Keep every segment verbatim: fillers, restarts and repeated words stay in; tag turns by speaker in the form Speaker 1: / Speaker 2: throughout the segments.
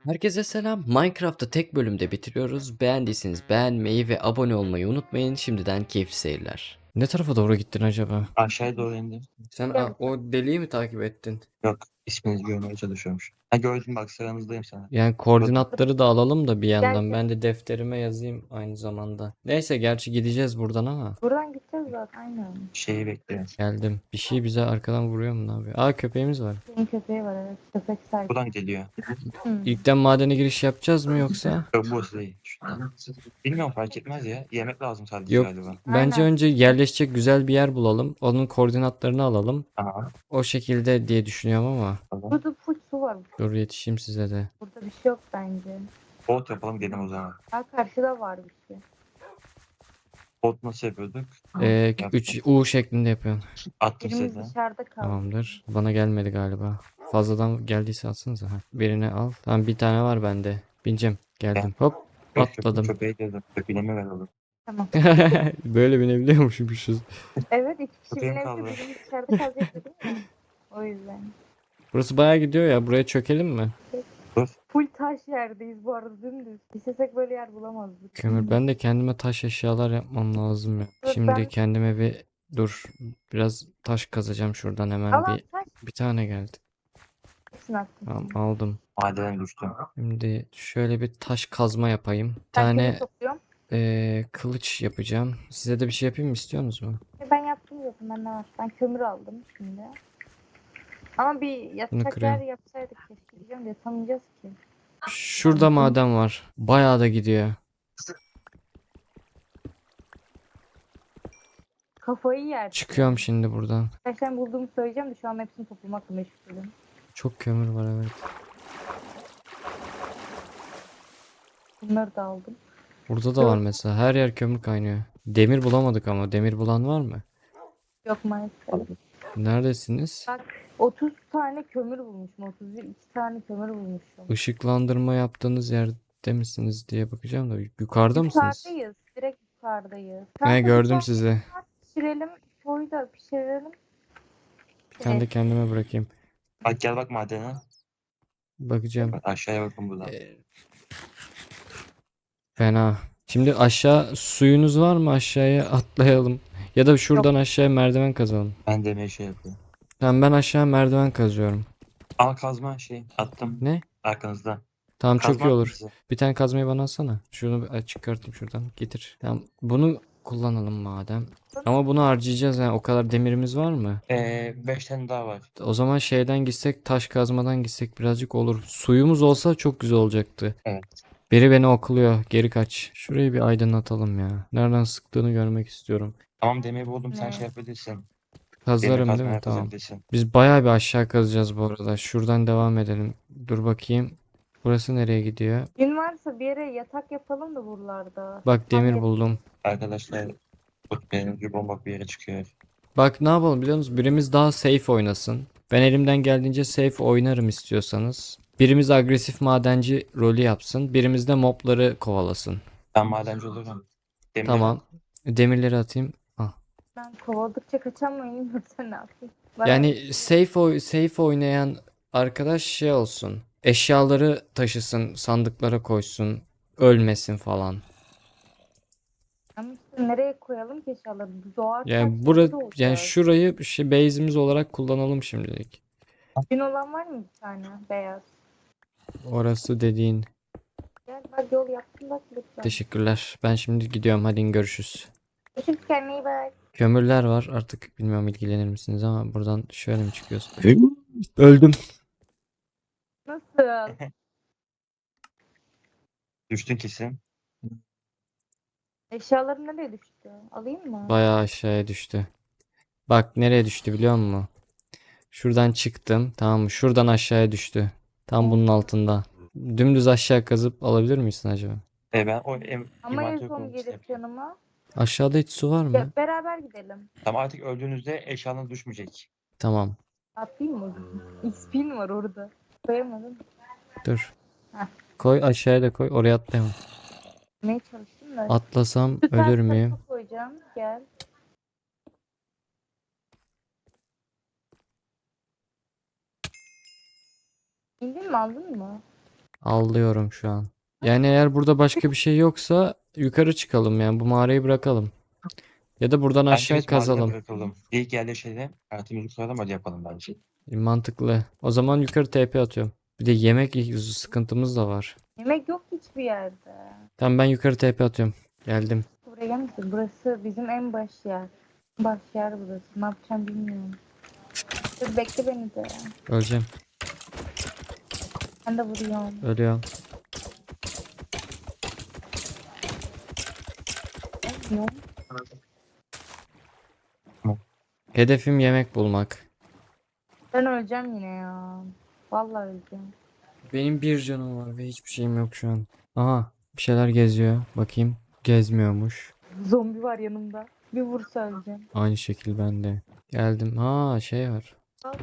Speaker 1: Herkese selam. Minecraft'ı tek bölümde bitiriyoruz. Beğendiyseniz beğenmeyi ve abone olmayı unutmayın. Şimdiden keyifli seyirler. Ne tarafa doğru gittin acaba?
Speaker 2: Aşağıya doğru indim.
Speaker 1: Sen a- o deliği mi takip ettin?
Speaker 2: Yok, isminizi görmeye çalışıyormuş. Ha gördüm bak sıranızdayım sana.
Speaker 1: Yani
Speaker 2: Bakın
Speaker 1: koordinatları da alalım da bir
Speaker 3: Gel
Speaker 1: yandan.
Speaker 3: gel.
Speaker 1: Ben de defterime yazayım aynı zamanda. Neyse gerçi gideceğiz buradan ama.
Speaker 3: Buradan gideceğiz zaten aynen.
Speaker 2: şeyi bekliyorum.
Speaker 1: Geldim. Bir şey bize arkadan vuruyor mu ne yapıyor? Aa köpeğimiz var.
Speaker 3: Senin köpeği var evet. Köpek sahibi.
Speaker 2: Buradan geliyor.
Speaker 3: Hmm.
Speaker 1: İlkten madene giriş yapacağız mı yoksa?
Speaker 2: Yok bu değil. Şuradan. Bilmiyorum fark etmez ya. Yemek lazım sadece
Speaker 1: Yok.
Speaker 2: galiba.
Speaker 1: Bence
Speaker 3: Aynen.
Speaker 1: önce yerleşecek güzel bir yer bulalım. Onun koordinatlarını alalım.
Speaker 2: Aha.
Speaker 1: O şekilde diye düşünüyorum ama.
Speaker 2: Tamam.
Speaker 3: Burada full su var.
Speaker 1: Dur yetişeyim size de.
Speaker 3: Burada bir şey yok bence.
Speaker 2: Bot yapalım gidelim o zaman.
Speaker 3: Ha karşıda var bir şey.
Speaker 2: Bot nasıl yapıyorduk?
Speaker 1: Ee,
Speaker 2: Yap.
Speaker 1: üç U şeklinde yapıyorsun.
Speaker 2: Attım
Speaker 3: Birimiz
Speaker 2: size.
Speaker 3: dışarıda kaldı.
Speaker 1: Tamamdır. Bana gelmedi galiba. Fazladan geldiyse atsanıza. Ha, birini al. Tamam bir tane var bende. Bineceğim. Geldim. Hop. Atladım.
Speaker 2: Köpeği dedim. Köpeğine ver oğlum.
Speaker 3: Tamam.
Speaker 1: Böyle binebiliyormuşuz.
Speaker 3: Evet iki kişi
Speaker 2: Köpeğim
Speaker 3: binebilir.
Speaker 2: kaldı.
Speaker 3: Birimiz dışarıda kalacaktı değil mi? O yüzden.
Speaker 1: Burası bayağı gidiyor ya. Buraya çökelim mi?
Speaker 2: Dur.
Speaker 3: Full taş yerdeyiz bu arada dümdüz. İstesek böyle yer bulamazdık.
Speaker 1: Kömür. Ben de kendime taş eşyalar yapmam lazım ya.
Speaker 3: Dur,
Speaker 1: Şimdi
Speaker 3: ben-
Speaker 1: kendime bir dur. Biraz taş kazacağım şuradan hemen
Speaker 3: Al al
Speaker 1: bir.
Speaker 3: taş.
Speaker 1: Bir tane geldi.
Speaker 3: Hepsini attım.
Speaker 1: Tamam aldım.
Speaker 2: Madene düştüm.
Speaker 1: Şimdi şöyle bir taş kazma yapayım. Bir
Speaker 3: Ben
Speaker 1: tane
Speaker 3: kömür topluyorum.
Speaker 1: eee, kılıç yapacağım. Size de bir şey yapayım mı istiyorsunuz mu?
Speaker 3: E, Ben yaptım zaten ben ne var. Ben kömür aldım şimdi. Ama bir yatacak yer
Speaker 1: kırıyorum.
Speaker 3: yapsaydık keşke diyeceğim de yatamayacağız ki.
Speaker 1: Şurada maden var. Bayağı da gidiyor.
Speaker 3: Kafayı yer.
Speaker 1: Çıkıyorum şimdi buradan.
Speaker 3: Kaç tane bulduğumu söyleyeceğim de şu an hepsini toplamakla meşgulüm.
Speaker 1: Çok kömür var evet.
Speaker 3: Bunları da aldım.
Speaker 1: Burada da var mesela. Her yer kömür kaynıyor. Demir bulamadık ama. Demir bulan var mı?
Speaker 3: Yok maalesef.
Speaker 1: Neredesiniz?
Speaker 3: Bak otuz tane kömür bulmuşum. otuz iki tane kömür bulmuşum.
Speaker 1: Işıklandırma yaptığınız yerde misiniz diye bakacağım da. Yukarıda mısınız?
Speaker 3: Yukarıdayız. Direkt yukarıdayız.
Speaker 1: Ne
Speaker 3: Kanka,
Speaker 1: gördüm
Speaker 3: bir tane
Speaker 1: sizi.
Speaker 3: pişirelim. Koyu da pişirelim.
Speaker 1: Bir tane de kendime bırakayım.
Speaker 2: Bak gel bak madene.
Speaker 1: Bakacağım.
Speaker 2: Bak aşağıya bakın buradan.
Speaker 1: Ee, Fena. Şimdi aşağı suyunuz var mı? Aşağıya atlayalım. Ya da şuradan aşağıya merdiven kazalım.
Speaker 2: Ben demeye şey yapıyorum.
Speaker 1: Tamam ben aşağı merdiven kazıyorum.
Speaker 2: Al kazma şey attım.
Speaker 1: Ne?
Speaker 2: Arkanızda.
Speaker 1: Tamam çok
Speaker 2: Kazma
Speaker 1: iyi
Speaker 2: attım
Speaker 1: olur.
Speaker 2: size.
Speaker 1: Bir tane kazmayı bana alsana. Şunu bir çıkartayım şuradan. Getir. Tamam bunu kullanalım madem. Ama bunu harcayacağız yani. O kadar demirimiz var mı?
Speaker 2: Ee, beş tane daha var.
Speaker 1: O zaman şeyden gitsek, taş kazmadan gitsek birazcık olur. Suyumuz olsa çok güzel olacaktı.
Speaker 2: Evet.
Speaker 1: Biri beni okluyor. Geri kaç. Şurayı bir aydınlatalım ya. Nereden sıktığını görmek istiyorum.
Speaker 2: Tamam demir buldum sen
Speaker 3: Ne?
Speaker 2: şey yapabilirsin. Demir
Speaker 1: Kazlarım değil mi?
Speaker 2: kazmaya
Speaker 1: Tamam.
Speaker 2: kazabilirsin.
Speaker 1: Biz bayağı bir aşağı kazacağız bu arada. Şuradan devam edelim. Dur bakayım. Burası nereye gidiyor?
Speaker 3: Gün varsa bir yere yatak yapalım da buralarda.
Speaker 1: Bak demir
Speaker 3: Tam
Speaker 1: buldum.
Speaker 2: Arkadaşlar bu benim gibi bomba bir yere çıkıyor.
Speaker 1: Bak ne yapalım biliyor musunuz? Birimiz daha safe oynasın. Ben elimden geldiğince safe oynarım istiyorsanız. Birimiz agresif madenci rolü yapsın. Birimiz de mobları kovalasın.
Speaker 2: Ben madenci olurum. Demir
Speaker 1: Tamam. Demirleri atayım. Ah.
Speaker 3: Ben kovaladıkça kaçamayayım yoksa ne yapayım? Bana-
Speaker 1: Yani safe oy safe oynayan arkadaş şey olsun. Eşyaları taşısın, sandıklara koysun, ölmesin falan.
Speaker 3: Ama işte nereye koyalım ki eşyaları? Doğar
Speaker 1: Yani bura yani şurayı bir şey base'imiz olarak kullanalım şimdilik.
Speaker 3: Gün olan var mı bir tane beyaz?
Speaker 1: Orası dediğin.
Speaker 3: Gel bak yol yaptım bak lütfen.
Speaker 1: Teşekkürler. Ben şimdi gidiyorum. Hadi görüşürüz.
Speaker 3: Görüşürüz kendine iyi bak.
Speaker 1: Kömürler var. Artık bilmiyorum ilgilenir misiniz ama buradan şöyle mi çıkıyoruz? Öldüm.
Speaker 3: Nasıl?
Speaker 2: düştün kesin.
Speaker 3: Eşyalarım nereye düştü? Alayım mı?
Speaker 1: Bayağı aşağıya düştü. Bak nereye düştü biliyor musun? Şuradan çıktım. Tamam mı? Şuradan aşağıya düştü. Tam bunun altında. Dümdüz aşağı kazıp alabilir misin acaba?
Speaker 2: E ben o em
Speaker 3: Ama en
Speaker 2: inventörü
Speaker 3: son
Speaker 2: kurmak
Speaker 3: gelir
Speaker 2: istedim.
Speaker 3: yanıma.
Speaker 1: Aşağıda hiç su var mı?
Speaker 3: Ya, beraber gidelim.
Speaker 2: Tamam artık öldüğünüzde eşyanız düşmeyecek.
Speaker 1: Tamam.
Speaker 3: Atlayayım mı? İspin var orada. Koyamadım.
Speaker 1: Dur.
Speaker 3: Heh.
Speaker 1: Koy aşağıya da koy. Oraya atlayamam.
Speaker 3: Ne çalıştım da.
Speaker 1: Atlasam
Speaker 3: Şu
Speaker 1: ölür
Speaker 3: tarafa
Speaker 1: müyüm?
Speaker 3: koyacağım. Gel. İndin mi aldın mı?
Speaker 1: Avlıyorum şu an. Yani eğer burada başka bir şey yoksa yukarı çıkalım yani bu mağarayı bırakalım. Ya da buradan
Speaker 2: Bence
Speaker 1: aşağı
Speaker 2: biz madene
Speaker 1: kazalım.
Speaker 2: bırakalım. İlk yerleşelim. Hayatımızı kuralım, hadi yapalım bence.
Speaker 1: E, Mantıklı. O zaman yukarı T P atıyorum. Bir de yemek sıkıntımız da var.
Speaker 3: Yemek yok hiçbir yerde.
Speaker 1: Tamam ben yukarı T P atıyorum. Geldim.
Speaker 3: Buraya gelmesin. Burası bizim en baş yer. Baş yer burası. Ne yapacağım bilmiyorum. Dur bekle beni de.
Speaker 1: Öleceğim.
Speaker 3: Ben de vuruyorum.
Speaker 1: Ölüyorum.
Speaker 3: Ölmüyorum.
Speaker 1: Hedefim yemek bulmak.
Speaker 3: Ben öleceğim yine ya. Vallahi öleceğim.
Speaker 1: Benim bir canım var ve hiçbir şeyim yok şu an. Aha bir şeyler geziyor. Bakayım. Gezmiyormuş.
Speaker 3: Zombi var yanımda. Bir vursa öleceğim.
Speaker 1: Aynı şekil ben de. Geldim. Ha şey var.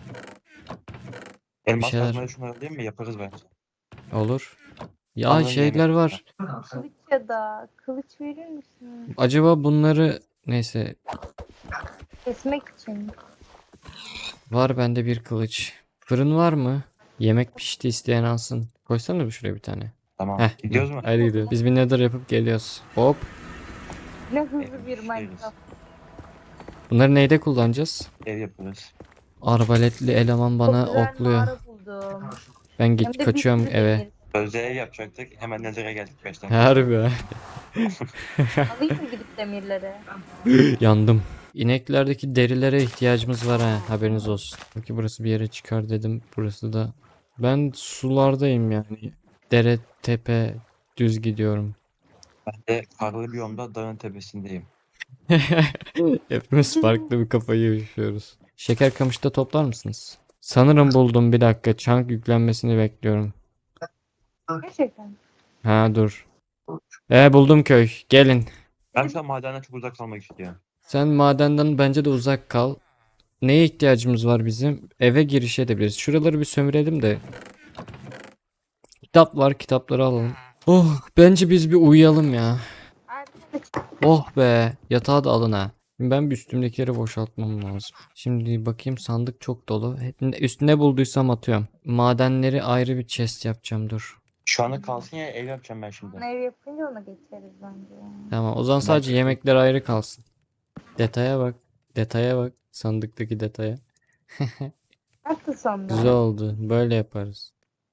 Speaker 2: Elmas
Speaker 1: şeyler-
Speaker 2: kazmayı şunları değil mi? Yaparız bence.
Speaker 1: Olur. Ya
Speaker 2: Alın
Speaker 1: şeyler
Speaker 2: yemek.
Speaker 1: var.
Speaker 3: Kılıç ya da kılıç verir misin?
Speaker 1: Acaba bunları neyse
Speaker 3: Kesmek için.
Speaker 1: var bende bir kılıç. Fırın var mı? Yemek pişti isteyen alsın. Koysana bir şuraya bir tane.
Speaker 2: Tamam.
Speaker 1: Heh.
Speaker 2: Gidiyoruz mu?
Speaker 1: Hadi gidiyoruz. Biz bir nether yapıp geliyoruz. Hop.
Speaker 3: Ne hızlı bir Minecraft.
Speaker 1: Bunları neyde kullanacağız?
Speaker 2: Ev yaparız.
Speaker 1: Arbaletli eleman bana
Speaker 3: Çok güzel
Speaker 1: okluyor.
Speaker 3: mağara buldum.
Speaker 1: Ben
Speaker 3: Hem
Speaker 1: git
Speaker 3: de bir
Speaker 1: kaçıyorum
Speaker 3: sürü
Speaker 1: eve.
Speaker 3: demir.
Speaker 2: Sözde ev yapacaktık. Hemen Nezir'e geldik beş dakika.
Speaker 1: Harbi ha.
Speaker 3: Alayım mı gidip demirleri?
Speaker 1: Yandım. İneklerdeki derilere ihtiyacımız var ha. Haberiniz olsun. Çünkü burası bir yere çıkar dedim. Burası da. Ben sulardayım yani. Dere, tepe, düz gidiyorum.
Speaker 2: Ben de karlı biyomda dağın tepesindeyim.
Speaker 1: Hepimiz farklı bir kafayı yaşıyoruz. Şeker kamışta toplar mısınız? Sanırım buldum, bir dakika. Chunk yüklenmesini bekliyorum.
Speaker 3: Gerçekten.
Speaker 1: Ha dur. E buldum köy. Gelin.
Speaker 2: Ben şu an madenden çok uzak kalmak istiyorum.
Speaker 1: Sen madenden bence de uzak kal. Neye ihtiyacımız var bizim? Eve giriş edebiliriz. Şuraları bir sömürelim de. Kitap var, kitapları alalım. Oh, bence biz bir uyuyalım ya.
Speaker 3: Arkadaş
Speaker 1: Oh be, yatağı da alın ha. Şimdi ben bir üstümdekileri boşaltmam lazım. Şimdi bakayım, sandık çok dolu. Hep üstüne bulduysam atıyorum. Madenleri ayrı bir chest yapacağım, dur.
Speaker 2: Şu anda kalsın ya, ev yapacağım ben şimdi.
Speaker 3: ev yapınca ona geçeriz bence.
Speaker 1: Tamam, o zaman sadece
Speaker 2: Belki-
Speaker 1: yemekler ayrı kalsın. Detaya bak. Detaya bak. Sandıktaki detaya.
Speaker 3: Nasıl sonra?
Speaker 1: Güzel oldu. Böyle yaparız.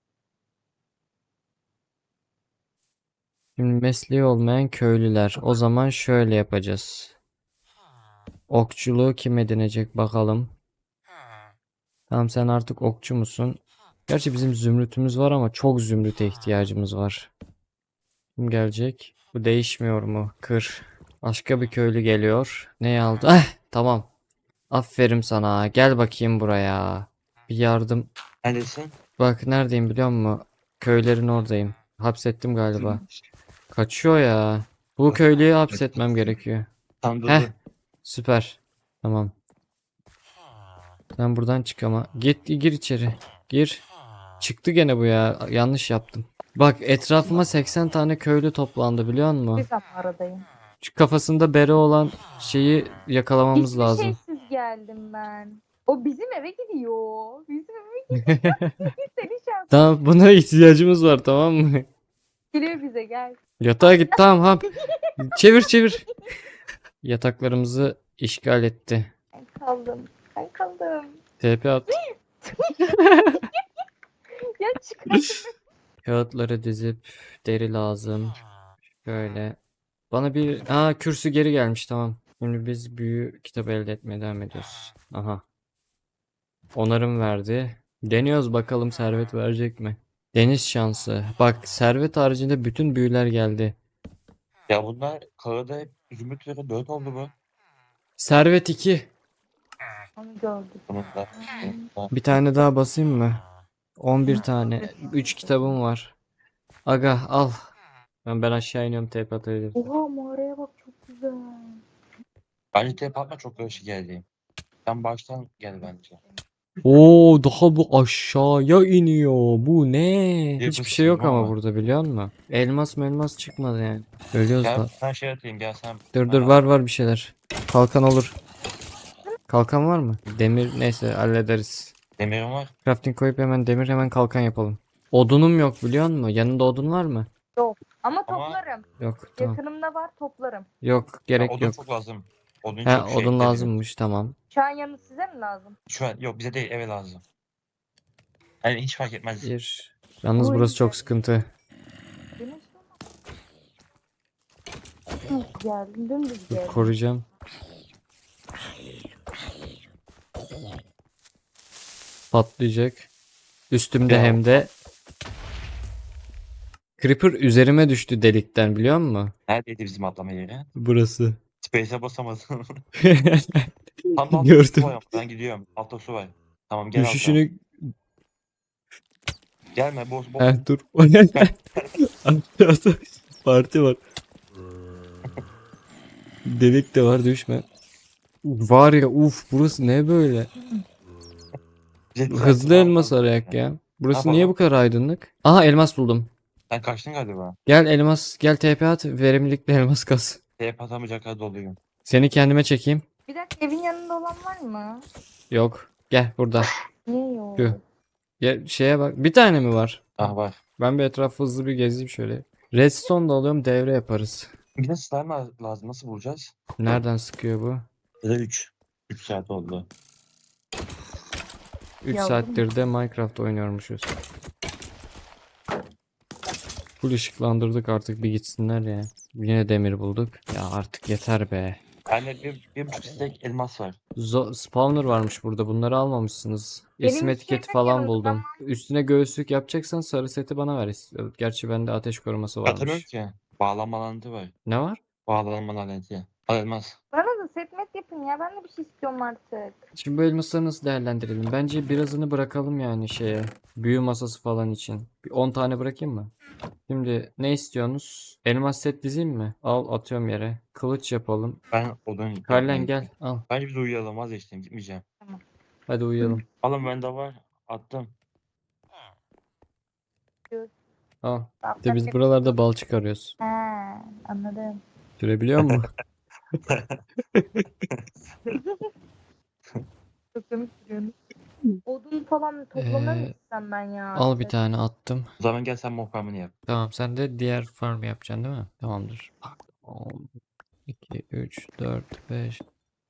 Speaker 1: Şimdi mesleği olmayan köylüler. O zaman şöyle yapacağız. Okçuluğu kim edinecek bakalım. Tamam, sen artık okçu musun? Gerçi bizim zümrütümüz var ama çok zümrüte ihtiyacımız var. Kim gelecek? Bu değişmiyor mu? Kır. Başka bir köylü geliyor. Ne aldı? Ah, tamam. Aferin sana. Gel bakayım buraya. Bir yardım.
Speaker 2: Neredesin?
Speaker 1: Bak neredeyim biliyor musun? Köylerin oradayım. Hapsettim galiba. Kaçıyor ya. Bu köylüyü hapsetmem gerekiyor.
Speaker 2: Tam dur
Speaker 1: Heh.
Speaker 2: dur.
Speaker 1: Süper. Tamam. Sen buradan çık ama. Git gir içeri. Gir. Çıktı gene bu ya. Yanlış yaptım. Bak etrafıma seksen tane köylü toplandı biliyor musun?
Speaker 3: Bir aradayım.
Speaker 1: Şu kafasında bere olan şeyi yakalamamız
Speaker 3: Hiçbir
Speaker 1: lazım.
Speaker 3: şeysiz geldim ben. O bizim eve gidiyor. Bizim eve gidiyor. Seni şans.
Speaker 1: Tamam, buna ihtiyacımız var, tamam mı?
Speaker 3: Geliyor bize gel.
Speaker 1: Yatağa git, tamam ha. Çevir çevir. Yataklarımızı işgal etti.
Speaker 3: Ben kaldım. Ben kaldım.
Speaker 1: T P at.
Speaker 3: Ya çıkar.
Speaker 1: Kağıtları dizip deri lazım. Şöyle. Bana bir... Aa, kürsü geri gelmiş, tamam. Şimdi biz büyü kitabı elde etmeye devam ediyoruz. Aha. Onarım verdi. Deniyoruz bakalım, servet verecek mi? Deniz şansı. Bak, servet haricinde bütün büyüler geldi.
Speaker 2: Ya bunlar karada hep zümrüt üzere dört oldu bu.
Speaker 1: Servet iki.
Speaker 3: Onu gördük.
Speaker 2: Bununla.
Speaker 1: Bir tane daha basayım mı? on bir tane. üç kitabım var. Aga al. Ben, ben aşağı iniyorum, tep atabilirim.
Speaker 3: Oha mağaraya bak çok güzel.
Speaker 2: Bence tep atma, çok karışık geldi. Sen baştan gel bence.
Speaker 1: Oo, daha bu aşağıya iniyor. Bu ne?
Speaker 2: Bir
Speaker 1: Hiçbir
Speaker 2: kız
Speaker 1: şey yok
Speaker 2: çizim
Speaker 1: ama
Speaker 2: ama.
Speaker 1: burada, biliyor musun? Elmas melmas çıkmadı yani. Ölüyoruz
Speaker 2: Gel
Speaker 1: da.
Speaker 2: sen şey atayım, gel sen.
Speaker 1: Dur dur, var var bir şeyler. Kalkan olur. Kalkan var mı? Demir neyse hallederiz.
Speaker 2: Demirim var.
Speaker 1: Crafting koyup hemen demir, hemen kalkan yapalım. Odunum yok biliyor musun? Yanında odun var mı?
Speaker 3: Ama
Speaker 2: Ama-
Speaker 3: toplarım.
Speaker 1: Yok tamam.
Speaker 3: Yakınımda var, toplarım.
Speaker 1: Yok
Speaker 2: Ya,
Speaker 1: gerek
Speaker 2: odun
Speaker 1: yok.
Speaker 2: çok lazım. Odun
Speaker 1: He
Speaker 2: çok şey
Speaker 1: odun
Speaker 2: ekledim.
Speaker 1: lazımmış tamam.
Speaker 3: Şu an yanı size mi lazım?
Speaker 2: Şu an yok bize değil eve lazım. Yani hiç fark etmez.
Speaker 1: Bir. Yalnız
Speaker 3: Oy.
Speaker 1: burası çok sıkıntı.
Speaker 3: Güneş olmaz. Hı, geldim, dümdüz
Speaker 1: Dur,
Speaker 3: geldim.
Speaker 1: koruyacağım. Patlayacak. Üstümde
Speaker 2: Ya.
Speaker 1: hem de. Creeper üzerime düştü delikten biliyor musun?
Speaker 2: Neredeydi bizim atlama yeri?
Speaker 1: Burası.
Speaker 2: Space'e basamadım. Tam da altta su
Speaker 1: Gördüm.
Speaker 2: var ama ben gidiyorum. Altta su var. Tamam gel alta.
Speaker 1: Düşüşünü.
Speaker 2: Gelme boz boz.
Speaker 1: Heh, dur. Aşağıda parti var. Delik de var düşme. Var ya uf burası ne böyle?
Speaker 2: Bize düzeltme
Speaker 1: Hızlı
Speaker 2: lazım.
Speaker 1: elmas arayak ya. Burası
Speaker 2: Ne
Speaker 1: niye
Speaker 2: yapalım?
Speaker 1: bu kadar aydınlık? Aha elmas buldum.
Speaker 2: Sen kaçtın galiba.
Speaker 1: Gel elmas gel T P at verimlilikle elmas kas.
Speaker 2: Teyip atamayacak kadar doluyum.
Speaker 1: Seni kendime çekeyim.
Speaker 3: Bir dakika, evin yanında olan var mı?
Speaker 1: Yok. Gel burada.
Speaker 3: Niye yok?
Speaker 1: Tüh. Gel şeye bak. Bir tane mi var?
Speaker 2: Ah var.
Speaker 1: Ben bir etrafı hızlı bir gezeyim şöyle. Redstone da alıyorum devre yaparız.
Speaker 2: Bir de slime la- lazım. Nasıl bulacağız?
Speaker 1: Nereden sıkıyor bu?
Speaker 2: Ya da üç. üç saat oldu.
Speaker 1: üç
Speaker 3: Yavrum.
Speaker 1: saattir de Minecraft oynuyormuşuz. Full ışıklandırdık artık bir gitsinler ya. Yine demir bulduk. Ya artık yeter be.
Speaker 2: Bende bir, bir buçuk stek elmas var.
Speaker 1: Zo spawner varmış burada. Bunları almamışsınız.
Speaker 3: Benim
Speaker 1: İsim
Speaker 3: bir
Speaker 1: etiketi
Speaker 3: şeyim
Speaker 1: falan
Speaker 3: yok
Speaker 1: buldum. Üstüne göğüslük yapacaksan sarı seti bana ver. Gerçi bende ateş koruması
Speaker 2: Atamıyorum
Speaker 1: varmış.
Speaker 2: ki. Bağlanma laneti var.
Speaker 1: Ne var?
Speaker 2: Bağlanma laneti. Al elmas.
Speaker 3: Bana da setmet yapın ya. Ben de bir şey istiyorum artık.
Speaker 1: Şimdi bu elmasları nasıl değerlendirelim? Bence birazını bırakalım yani şeye. Büyü masası falan için. Bir on tane bırakayım mı? Şimdi ne istiyorsunuz? Elmas set dizeyim mi? Al atıyorum yere. Kılıç yapalım.
Speaker 2: Ben odun
Speaker 1: Kallen
Speaker 2: yapmayı-
Speaker 1: gel al.
Speaker 2: Bence biz uyuyalım vazgeçtim gitmeyeceğim.
Speaker 1: Hadi uyuyalım.
Speaker 2: Alın bende var. Attım.
Speaker 1: Al.
Speaker 3: Tamam,
Speaker 1: İşte biz buralarda bal çıkarıyoruz.
Speaker 3: He, anladım.
Speaker 1: Sürebiliyor musun?
Speaker 3: Çok komik duruyorsun. Odun falan toplamaya mı
Speaker 1: Ee,
Speaker 3: gitsem ben ya?
Speaker 1: Al bir tane attım.
Speaker 2: O zaman gel sen mokramını yap.
Speaker 1: Tamam sen de diğer farm yapacaksın değil mi? Tamamdır. on, iki, üç, dört, beş.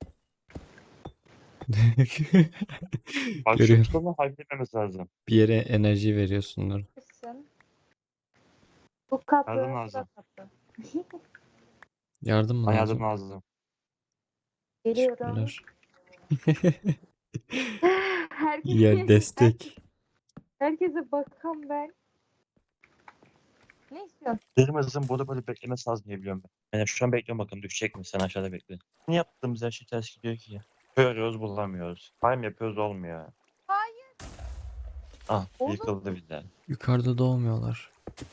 Speaker 2: Bak şu
Speaker 1: Görüyorum.
Speaker 2: tutamı halletmemiz lazım.
Speaker 1: Bir yere enerji veriyorsunlar.
Speaker 3: Kızsın. Bu kapı.
Speaker 2: Yardım
Speaker 3: bu da
Speaker 2: lazım.
Speaker 3: kapı.
Speaker 1: Yardım mı
Speaker 2: Bana
Speaker 1: lazım?
Speaker 2: yardım lazım.
Speaker 3: Geliyorum.
Speaker 1: Teşekkürler.
Speaker 3: Herkes,
Speaker 1: Ya destek.
Speaker 3: herkese bakan ben. Ne istiyorsun?
Speaker 2: Derimizin burada böyle beklemesi lazım diye biliyorum ben. Yani şu an bekliyorum bakın düşecek mi? Sen aşağıda bekle. Ne yaptığımız her şey ters gidiyor ki ya. Görüyoruz bulamıyoruz. Time yapıyoruz olmuyor.
Speaker 3: Hayır.
Speaker 2: Ah
Speaker 3: Oğlum.
Speaker 2: yıkıldı bir de.
Speaker 1: Yukarıda doğmuyorlar.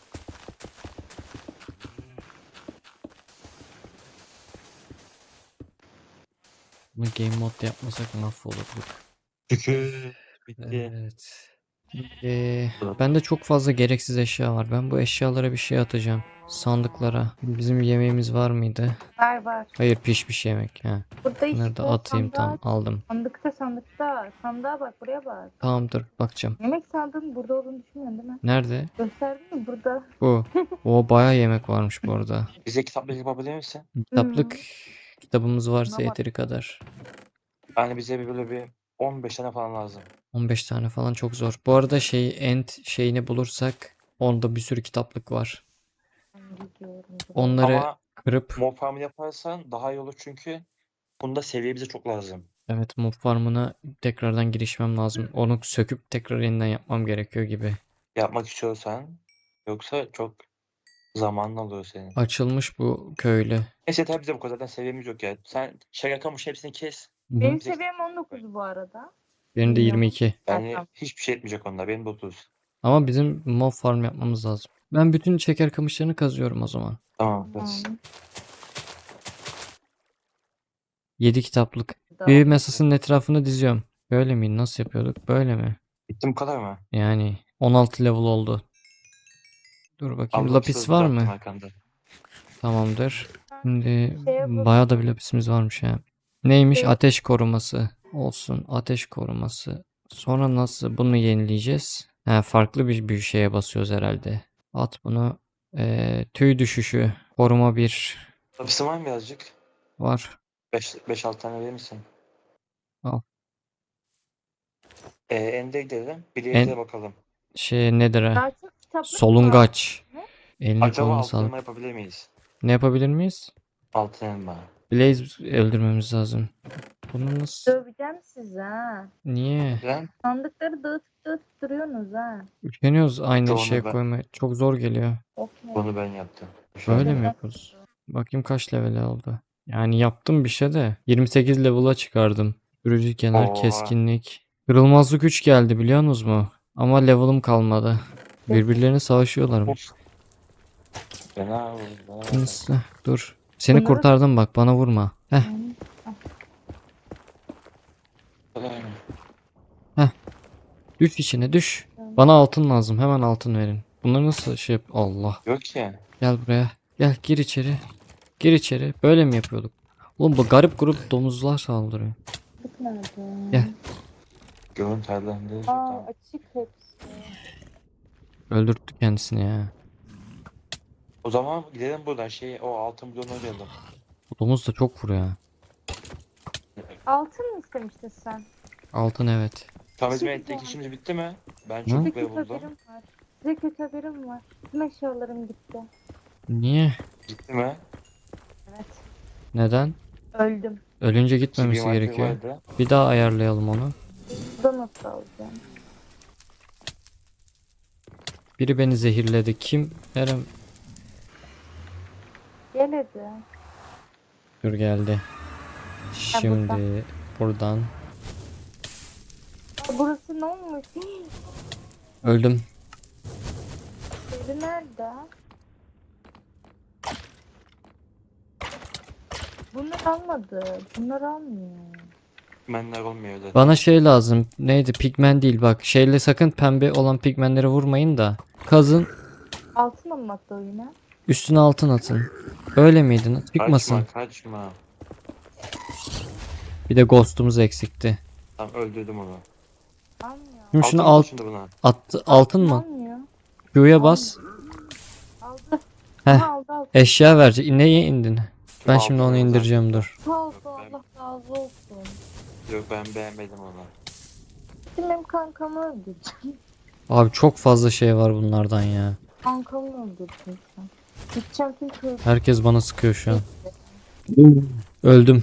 Speaker 1: Bunu game mode yapmasak mahvolurduk.
Speaker 2: Şükür. Bitti.
Speaker 1: Evet. Ee, bende çok fazla gereksiz eşya var. Ben bu eşyalara bir şey atacağım. Sandıklara. Bizim yemeğimiz var mıydı?
Speaker 3: Var var.
Speaker 1: Hayır pişmiş yemek. Ha.
Speaker 3: Burada işte
Speaker 1: Bunları da atayım
Speaker 3: sandığa-
Speaker 1: tamam aldım.
Speaker 3: Sandıkta sandıkta. Sandığa bak, buraya bak.
Speaker 1: Tamamdır bakacağım.
Speaker 3: Yemek sandığın burada olduğunu düşünmüyorsun değil mi?
Speaker 1: Nerede?
Speaker 3: Gösterdin mi burada?
Speaker 1: Bu. O bayağı yemek varmış bu arada.
Speaker 2: Bize kitaplık yapabilir misin?
Speaker 1: Kitaplık kitabımız varsa
Speaker 3: Buna bak.
Speaker 1: yeteri kadar.
Speaker 2: Yani bize bir böyle bir on beş tane falan lazım.
Speaker 1: on beş tane falan çok zor. Bu arada şey end şeyini bulursak onda bir sürü kitaplık var.
Speaker 3: Ben gidiyorum.
Speaker 1: Onları
Speaker 2: Ama
Speaker 1: kırıp
Speaker 2: mob farmı yaparsan daha iyi olur çünkü bunda seviye bize çok lazım.
Speaker 1: evet mob farmına tekrardan girişmem lazım. Onu söküp tekrar yeniden yapmam gerekiyor gibi.
Speaker 2: Yapmak istiyorsan yoksa çok zamanın alıyor senin.
Speaker 1: Açılmış bu köylü.
Speaker 2: Neyse tabii bize bu kadar zaten seviyemiz yok ya. Sen şaka kamış hepsini kes.
Speaker 1: Hı hı.
Speaker 3: Benim seviyem on dokuz bu arada.
Speaker 1: Benim de
Speaker 3: Bilmiyorum.
Speaker 1: yirmi iki.
Speaker 2: Yani
Speaker 3: Tamam.
Speaker 2: hiçbir şey etmeyecek onlar. Benim de otuz.
Speaker 1: Ama bizim mob farm yapmamız lazım. Ben bütün şeker kamışlarını kazıyorum o zaman.
Speaker 2: Tamam. Tamam.
Speaker 3: Tamam.
Speaker 1: yedi kitaplık.
Speaker 3: Daha-
Speaker 1: Bir masasının etrafını diziyorum. Böyle mi? Nasıl yapıyorduk? Böyle mi?
Speaker 2: Bitti bu kadar mı?
Speaker 1: Yani on altı level oldu. Dur bakayım.
Speaker 2: Aldım
Speaker 1: Lapis
Speaker 2: söz
Speaker 1: var
Speaker 2: bıraktım
Speaker 1: mı?
Speaker 2: arkanda.
Speaker 1: Tamamdır. Şimdi
Speaker 3: Şey yapalım.
Speaker 1: bayağı da bir lapisimiz varmış ya. Neymiş?
Speaker 3: Şey-
Speaker 1: Ateş koruması. Olsun. Ateş koruması. Sonra nasıl bunu yenileyeceğiz? Ha, farklı bir, bir şeye basıyoruz herhalde. At bunu. Ee, tüy düşüşü. Koruma bir
Speaker 2: Hapisi var mı birazcık?
Speaker 1: var.
Speaker 2: beş altı tane verir misin?
Speaker 1: Al.
Speaker 2: Ee, Ende gidelim. Bileğimize
Speaker 1: En
Speaker 2: bakalım.
Speaker 1: şey nedir ha?
Speaker 3: Daha çok kitaplık var.
Speaker 1: Solungaç. Eline
Speaker 2: Acaba
Speaker 1: koluna
Speaker 2: altın elma
Speaker 1: sağlık.
Speaker 2: yapabilir miyiz?
Speaker 1: Ne yapabilir miyiz?
Speaker 2: Altın elma.
Speaker 1: Blaze öldürmemiz lazım. Bunu nasıl?
Speaker 3: Döveceğim sizi ha.
Speaker 1: Niye?
Speaker 2: Neden?
Speaker 3: Sandıkları dağıtıp dağıtıp duruyorsunuz ha.
Speaker 1: Üşeniyoruz aynı
Speaker 2: Onu
Speaker 1: şeye
Speaker 2: ben-
Speaker 1: koymaya. Çok zor geliyor.
Speaker 3: Okey.
Speaker 2: Bunu ben yaptım.
Speaker 1: Böyle
Speaker 2: Şöyle.
Speaker 1: mi yapıyoruz? Bakayım kaç level oldu. Yani yaptım bir şey de. yirmi sekiz level'a çıkardım. Sürücü kenar,
Speaker 2: Oha.
Speaker 1: keskinlik. Kırılmazlık üç geldi biliyor musunuz mu? Ama level'ım kalmadı. Birbirlerine savaşıyorlarmış.
Speaker 2: Fena oldu.
Speaker 1: Neyse, dur. Seni
Speaker 3: Bunları-
Speaker 1: kurtardım bak bana vurma. Heh, düş içine düş. Bana altın lazım. Hemen altın verin. Bunları nasıl şey yap? Allah.
Speaker 2: Yok ki.
Speaker 1: Gel buraya. Gel gir içeri. Gir içeri. Böyle mi yapıyorduk? Oğlum bu garip grup domuzlar saldırıyor.
Speaker 3: Sandık nerede?
Speaker 1: Gel.
Speaker 2: Görüntü ayarlarında.
Speaker 3: Aa
Speaker 2: Tamam.
Speaker 3: açık hepsi.
Speaker 1: Öldürttü kendisini ya.
Speaker 2: O zaman gidelim buradan şey o altın bloğunu arayalım.
Speaker 1: Bu domuz da çok vuruyor ha.
Speaker 3: Altın mı istemiştin sen?
Speaker 1: Altın evet.
Speaker 2: Tamam bizim
Speaker 3: Şimdi
Speaker 2: ettik
Speaker 3: yani.
Speaker 2: işimiz bitti mi? Ben
Speaker 1: Hı?
Speaker 3: Size
Speaker 2: çok
Speaker 3: kötü
Speaker 2: ve buldum.
Speaker 3: haberim var. Size kötü haberim var. Tüm eşyalarım gitti.
Speaker 1: Niye?
Speaker 2: Gitti mi?
Speaker 3: Evet.
Speaker 1: Neden?
Speaker 3: Öldüm.
Speaker 1: Ölünce
Speaker 2: Ki
Speaker 1: gitmemesi
Speaker 2: bir madde
Speaker 1: gerekiyor.
Speaker 2: vardı.
Speaker 1: Bir daha ayarlayalım onu.
Speaker 3: Burada nasıl alacağım?
Speaker 1: Biri beni zehirledi. Kim? Eren.
Speaker 3: Gel hadi.
Speaker 1: Dur geldi. Şimdi buradan.
Speaker 3: Aa, burası ne olmuş? Hii,
Speaker 1: Öldüm.
Speaker 3: Biri nerede? Bunlar almadı. Bunlar almıyor.
Speaker 2: Menler olmuyor zaten.
Speaker 1: Bana şey lazım. Neydi? Pigmen değil bak. Şeyle sakın pembe olan pigmenlere vurmayın da. Kazın.
Speaker 3: Altın olmakta o yine.
Speaker 1: Üstüne altın atın. Öyle miydi? Çıkmasın.
Speaker 2: Kaçma kaçma.
Speaker 1: Bir de ghost'umuz eksikti.
Speaker 2: Tamam öldürdüm onu.
Speaker 3: Almıyor.
Speaker 1: Şimdi şunu
Speaker 2: Altın
Speaker 1: alt
Speaker 2: şimdi buna.
Speaker 1: attı. Altın mı?
Speaker 3: Almıyor.
Speaker 1: Q'ya bas.
Speaker 3: Aldı.
Speaker 1: Heh.
Speaker 3: Ha, aldı aldı.
Speaker 1: Eşya verecek. Neye indin? Ben şimdi
Speaker 2: Altın
Speaker 1: onu
Speaker 2: zaten.
Speaker 1: indireceğim dur.
Speaker 3: Sağ ol,
Speaker 2: Yok, ben-
Speaker 3: Allah razı olsun.
Speaker 2: Yok ben beğenmedim onu.
Speaker 3: Şimdi benim kankamı öldürdün.
Speaker 1: Abi çok fazla şey var bunlardan ya.
Speaker 3: Kankamı öldürdün sen. Gideceğim çünkü
Speaker 1: Herkes bana sıkıyor şu an. Öldüm.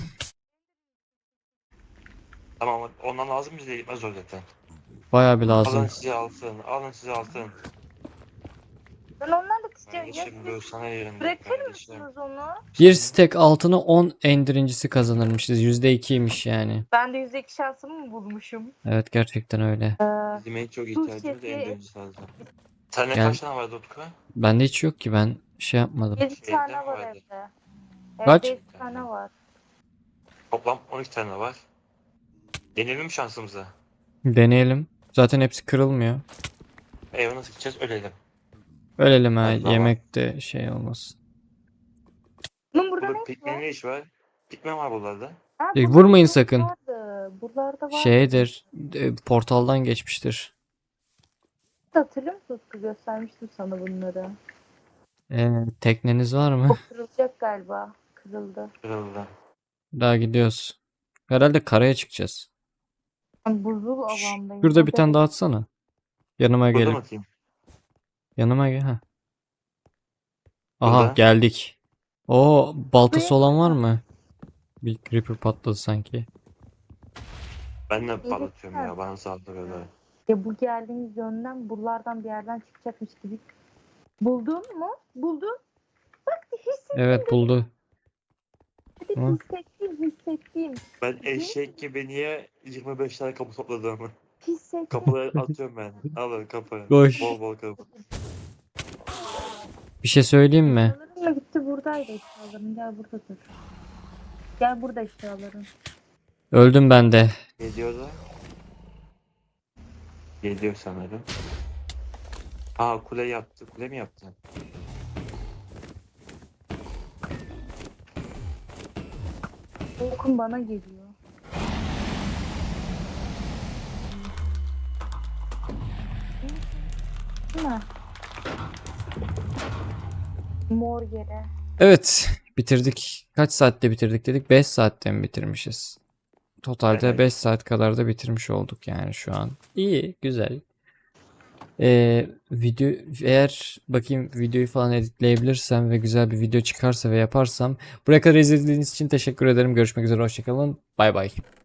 Speaker 2: Tamam ondan lazım bize gitmez o zaten.
Speaker 1: Bayağı bir
Speaker 2: Alın
Speaker 1: lazım.
Speaker 2: size altın. Alın size altın.
Speaker 3: ben onlarla kısacağım. Ya
Speaker 2: Kardeşim böyle
Speaker 3: siz
Speaker 2: sana yerim.
Speaker 3: bırakır
Speaker 2: kardeşim.
Speaker 3: mısınız onu?
Speaker 1: Bir stack altını on endirincisi kazanırmışız. yüzde ikiymiş yani.
Speaker 3: Ben de yüzde iki şansımı mı bulmuşum?
Speaker 1: Evet gerçekten öyle.
Speaker 3: Ee,
Speaker 2: Bizim en çok
Speaker 3: Dur,
Speaker 2: ihtiyacımız
Speaker 3: şey-
Speaker 2: en döncüsü lazım. Sende
Speaker 1: Gel.
Speaker 2: kaç tane vardı Utku?
Speaker 1: Bende hiç yok ki ben şey yapmadım.
Speaker 3: yedi
Speaker 2: Evde
Speaker 3: tane
Speaker 2: mi
Speaker 3: var
Speaker 2: vardı?
Speaker 3: evde.
Speaker 1: Kaç?
Speaker 3: Evde yedi tane var.
Speaker 2: Toplam on iki tane var. Deneyelim mi şansımıza?
Speaker 1: Deneyelim. Zaten hepsi kırılmıyor.
Speaker 2: Eve nasıl gideceğiz? Ölelim.
Speaker 1: Ölelim ha.
Speaker 2: Hadi baba.
Speaker 1: Yemekte şey olmasın.
Speaker 3: Bunun burada
Speaker 2: Burada
Speaker 3: ne iş
Speaker 2: pikniğin
Speaker 3: var?
Speaker 2: ne iş var? Pikmen var buralarda.
Speaker 3: Ha,
Speaker 1: E,
Speaker 3: burada
Speaker 1: vurmayın
Speaker 3: bir
Speaker 1: sakın.
Speaker 3: Vardı. Buralarda var.
Speaker 1: Şeydir. e, Portaldan geçmiştir.
Speaker 3: Hatırlıyor musun? Utku? Göstermiştim sana bunları.
Speaker 1: Ee, tekneniz var
Speaker 3: O
Speaker 1: mı?
Speaker 3: kırılacak galiba. Kırıldı.
Speaker 2: Kırıldı.
Speaker 1: Daha gidiyoruz. Herhalde karaya çıkacağız.
Speaker 3: Ben buzul alandayım.
Speaker 1: Şurada bir
Speaker 3: Burada
Speaker 1: tane daha atsana. Yanıma
Speaker 2: Burada
Speaker 1: gelin.
Speaker 2: mı atayım?
Speaker 1: Yanıma gel. Ha. Aha
Speaker 2: Burada.
Speaker 1: geldik. O baltası
Speaker 3: Buraya
Speaker 1: olan var
Speaker 3: koyma.
Speaker 1: mı? Bir creeper patladı sanki.
Speaker 2: Ben de
Speaker 3: İyi
Speaker 2: patlatıyorum
Speaker 3: lütfen.
Speaker 2: ya. Bana saldırıyorlar.
Speaker 3: Ya bu geldiğimiz yönden buralardan bir yerden çıkacakmış gibi. Buldun mu? Buldun. Bak hissettim.
Speaker 1: Evet buldu.
Speaker 3: Hadi
Speaker 1: Hı.
Speaker 3: hissettim hissettim.
Speaker 2: Ben eşek gibi niye yirmi beş tane kapı topladım?
Speaker 3: Hissettim.
Speaker 2: Kapıları atıyorum ben. Alın kapı.
Speaker 1: Koş.
Speaker 2: Bol bol kapı.
Speaker 1: Bir şey söyleyeyim mi?
Speaker 3: Eşyalarım da gitti buradaydı eşyalarım. Gel burada dur. Gel burada eşyalarım.
Speaker 1: Öldüm ben de.
Speaker 2: Geliyor da. Geliyor sanırım. Aa kule yaptı. Kule mi yaptı?
Speaker 3: Okun bana geliyor. baksana. Mor yere.
Speaker 1: Evet, bitirdik. Kaç saatte bitirdik dedik? beş saatte mi bitirmişiz? Totalde
Speaker 2: Evet.
Speaker 1: beş saat kadar da bitirmiş olduk yani şu an. İyi, güzel. Ee, video eğer bakayım videoyu falan editleyebilirsem ve güzel bir video çıkarsa ve yaparsam buraya kadar izlediğiniz için teşekkür ederim. Görüşmek üzere, hoşça kalın. Bay bay.